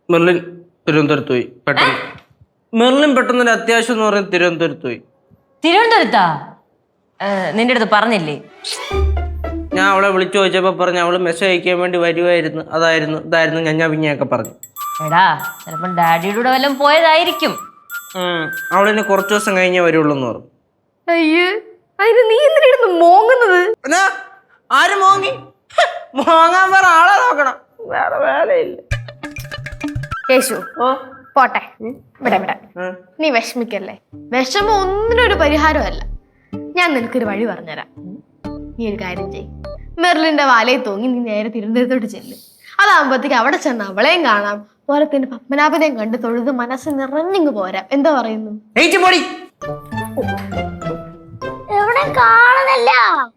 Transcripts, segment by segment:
Merlin തിരുവനന്തപുരത്ത് പോയി പെട്ടെന്ന്. മെർലിൻ പെട്ടെന്ന് അത്യാവശ്യം എന്ന് പറയുന്നത് തിരുവനന്തപുരത്ത് പോയി. തിരുവനന്തപുരത്താ? നിന്റെ അടുത്ത് പറഞ്ഞില്ലേ? ഞാൻ അവളെ വിളിച്ചു ചോദിച്ചപ്പോ പറഞ്ഞു അവള് മെസ്സേജ് അയക്കാൻ വേണ്ടി വരുമായിരുന്നു, അതായിരുന്നു ഇതായിരുന്നു ഞാൻ പിന്നെയൊക്കെ പറഞ്ഞു. എടാ ചിലപ്പോ ഡാഡിയുടെ കൂടെ വല്ലതും പോയതായിരിക്കും. അവളിന് കുറച്ചു ദിവസം കഴിഞ്ഞേ വരുള്ളൂ എന്ന് പറഞ്ഞു. അയ്യേ, അതിന് നീ എന്തിനാ മോങ്ങുന്നത്? ആര് മോങ്ങി? മോങ്ങാൻ വേറെ ആളെ നോക്കണം, വേറെ വേലയില്ല. യേശു പോട്ടെ, ഇവിടെ നീ വിഷമിക്കല്ലേ. വിഷമം ഒന്നിനൊരു പരിഹാരമല്ല. ഞാൻ നിനക്കൊരു വഴി പറഞ്ഞുതരാം. നീ ഒരു കാര്യം ചെയ്യ്, മെർലിന്റെ വാലയിൽ തൂങ്ങി നീ നേരെ തിരുവനന്തപുരത്തോട്ട് ചെല്ലും. അതാകുമ്പോഴത്തേക്ക് അവിടെ ചെന്ന് അവളെയും കാണാം, പോലത്തിന് പത്മനാഭനെയും കണ്ട് തൊഴുത് മനസ്സ് നിറഞ്ഞിങ്ങ് പോരാം. എന്താ പറയുന്നു? എവിടെ കാണുന്നില്ല.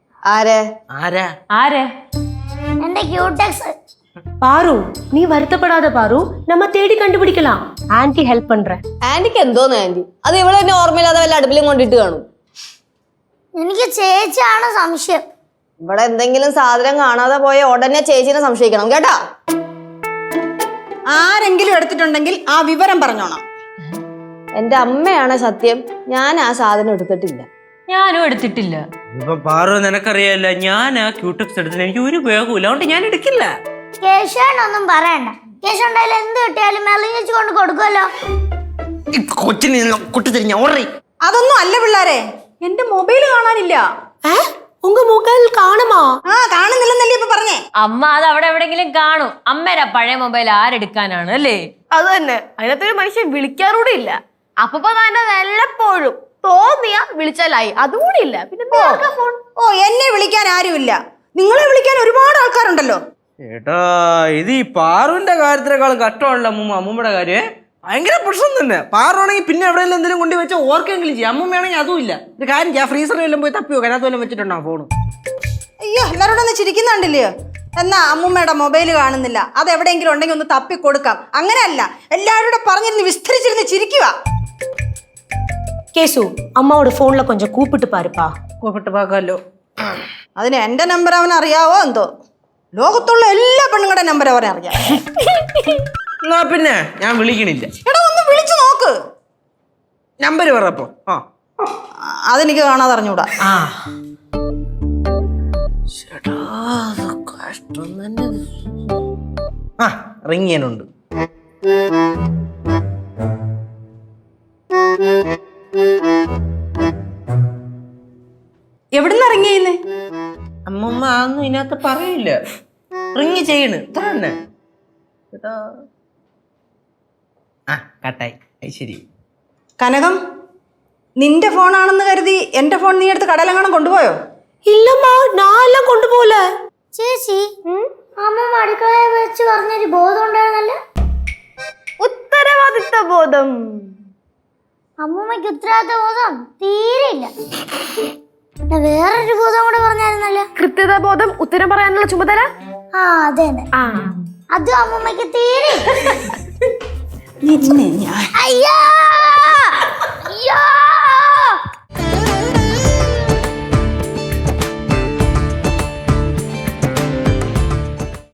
എന്റെ ക്യൂടെക്സ്. பாரு நீ வருத்தப்படாத பாரு, நம்ம தேடி கண்டுபிடிக்கலாம். ஆன்ட்டி ஹெல்ப் பண்றேன். ആന്റിക്ക് എന്തോന്ന് ആന്റി? അത് ഇവിടെ തന്നെ ഓർമ്മയില്ലാതെ വല്ല അടുപ്പിലും കൊണ്ടിട്ട് കാണും. എനിക്ക് ചേച്ചിയാണ് സംശയം. ഇവിടെ എന്തെങ്കിലും സാധനം കാണാതെ പോയ ഉടനെ ചേച്ചിനെ സംശയിക്കണം കേട്ടാ. ആരെങ്കിലും എടുത്തിട്ടുണ്ടെങ്കിൽ ആ വിവരം പറഞ്ഞോണം. എന്റെ അമ്മയാണ് സത്യം, ഞാൻ ആ സാധനം എടുത്തിട്ടില്ല. ഞാനും എടുത്തിട്ടില്ല. ഇപ്പൊ പാറു നിനക്കറിയാല്ല, ഞാൻ ആ ക്യൂടെക്സ് എടുത്തില്ല, എനിക്ക് ഒരു ഉപയോഗമില്ല, അതുകൊണ്ട് ഞാൻ എടുക്കില്ല. കേശവനൊന്നും പറയണ്ട. കേശവ ഉണ്ടായാലും എന്ത് കിട്ടിയാലും മെർലിൻ ചേച്ചി കൊണ്ട് കൊടുക്കുമല്ലോ. കൊച്ചിന് കുട്ടിത്തിരിഞ്ഞ ഓർറി. അതൊന്നും അല്ല പിള്ളാരെ, എന്റെ മൊബൈൽ കാണാനില്ല. உங்க மொபைல் காணுமா? കാണുന്നില്ലെന്നല്ലേ ഇപ്പൊ പറഞ്ഞേ. അമ്മ അത് അവിടെ എവിടെങ്കിലും കാണും. അമ്മേടെ പഴയ മൊബൈൽ ആരെടുക്കാനാണ് അല്ലേ? അത് തന്നെ, അതിനകത്തൊരു മനുഷ്യൻ വിളിക്കാറൂടെ ഇല്ല. അപ്പൊ തന്നെ വല്ലപ്പോഴും തോന്നിയ വിളിച്ചാലായി, അതുകൂടി ഇല്ല. പിന്നെ ഫോൺ. ഓ, എന്നെ വിളിക്കാൻ ആരുമില്ല, നിങ്ങളെ വിളിക്കാൻ ഒരുപാട് ആൾക്കാരുണ്ടല്ലോ. ഏട്ടാ, ഇത് ഈ പാറുവിന്റെ കാര്യത്തിനേക്കാളും കഷ്ടമല്ല അമ്മൂമ്മയുടെ കാര്യം. ഭയങ്കര പ്രശ്നം തന്നെ. പാറുവാണെങ്കിൽ പിന്നെ എവിടെയെങ്കിലും എന്തെങ്കിലും കൊണ്ടു വെച്ചാൽ ഓർക്കെങ്കിലും ചെയ്യും. അമ്മൂമ്മയാണെങ്കിൽ അതും ഇല്ല. ഒരു കാര്യം ചെയ്യാം, ഫ്രീസറിൽ എല്ലാം പോയി തപ്പി വെക്കാം, അതിനകത്ത് വല്ലതും വെച്ചിട്ടുണ്ടാവും ഫോൺ. അയ്യോ, എല്ലാവരോടും ഒന്ന് ചിരിക്കുന്നുണ്ടല്ലയോ. എന്നാ അമ്മൂമ്മയുടെ മൊബൈൽ കാണുന്നില്ല, അത് എവിടെയെങ്കിലും ഉണ്ടെങ്കിൽ ഒന്ന് തപ്പി കൊടുക്കാം. അങ്ങനെയല്ല, എല്ലാവരോടും പറഞ്ഞിരുന്ന് വിസ്തരിച്ചിരുന്ന് ചിരിക്കുക. கேசு அம்மாவோட போன்ல கொஞ்சம் கூப்பிட்டு பாருப்பா. കൂപ്പിട്ട് പാക്കാമല്ലോ. അതിന് എന്റെ നമ്പർ അവൻ അറിയാവോ എന്തോ? ലോകത്തുള്ള എല്ലാ പെണ്ണുങ്ങളുടെ നമ്പർ അവനെ അറിയാം. എന്നാ പിന്നെ ഞാൻ വിളിക്കണില്ല. എടാ, ഒന്ന് വിളിച്ചു നോക്ക്. നമ്പർ പറയപ്പോ. അതെനിക്ക് കാണാതെ അറിഞ്ഞൂടാ. കഷ്ടം തന്നെ. റിങ്ങിയനുണ്ട്. എവിടുന്ന് ഇറങ്ങിയെന്ന്? അമ്മൂമ്മ അതൊന്നും ഇതിനകത്ത് പറയില്ല. റിങ് ചെയ്യണ് ഇത്ര തന്നെ. കട്ടായി. ശരി. കനകം, നിന്റെ ഫോണാണെന്ന് കരുതി എന്റെ ഫോൺ നീ എടുത്ത് കടലെങ്ങാനും കൊണ്ടുപോയോ? இல்லம்மா, நான் எல்லாம் கொண்டு போல. ചേച്ചി, അമ്മ അടുക്കളയിൽ വെച്ച് പറഞ്ഞൊരു ബോധം ഉണ്ടായിരുന്നല്ലോ. ഉത്തരവാദിത്ത ബോധം. അമ്മൂമ്മയ്ക്ക് ഉത്തരവാദിത്ത ബോധം തീരെയില്ല. വേറൊരു ബോധം കൂടെ പറഞ്ഞായിരുന്നല്ലോ. കൃത്യത ബോധം, ഉത്തരം പറയാനുള്ള ചുമതല. അതെ അതും അമ്മൂമ്മയ്ക്ക് തീരെ. നിന്നെ ഞാൻ അയ്യോ അയ്യോ